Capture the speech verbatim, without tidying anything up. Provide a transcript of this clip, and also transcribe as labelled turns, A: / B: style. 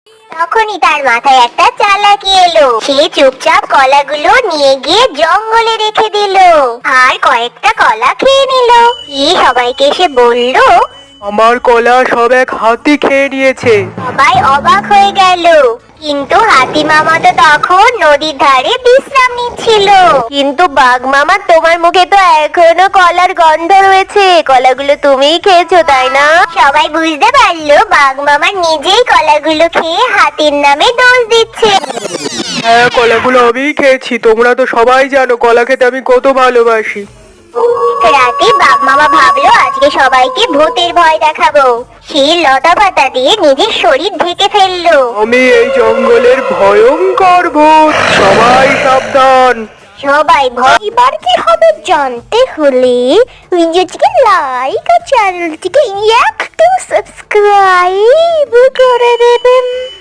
A: তখনই তার মাথায় একটা চালাকি এলো। সে চুপচাপ কলাগুলো নিয়ে গিয়ে জঙ্গলে রেখে দিল আর কয়েকটা কলা খেয়ে নিল। কি সবাইকে সে বলল,
B: আমার কলা সব এক হাতি খেয়ে নিয়েছে।
A: সবাই অবাক হয়ে গেল। কিন্তু হাতি মামা তো তখন নদীর ধারে বিশ্রাম নিচ্ছিল।
C: কিন্তু বাঘ মামা, তোমার মুখে তো এখনো কলার গন্ধ রয়েছে। কলাগুলো তুমিই খেয়েছো, তাই না?
A: সবাই বুঝতে পারলো বাঘ মামা নিজেই কলাগুলো খেয়ে হাতির নামে দোষ দিচ্ছে।
B: হ্যাঁ, কলাগুলো আমিই খেয়েছি। তোমরা তো সবাই জানো কলা খেতে আমি কত ভালোবাসি।
A: রাতে বাঘ মামা ভাবলো আজকে সবাইকে ভূতের ভয় দেখাবো। সে লতা পাতা দিয়ে নিজের শরীর ঢেকে ফেললো।
B: আমি এই জঙ্গলের ভয়ঙ্কর ভূত, সবাই সাবধান।
A: সবাই ভয়। এবার কি হবে জানতে হলে ভিডিওটিকে লাইক আর চ্যানেলটিকে একটু সাবস্ক্রাইব করে দেবেন।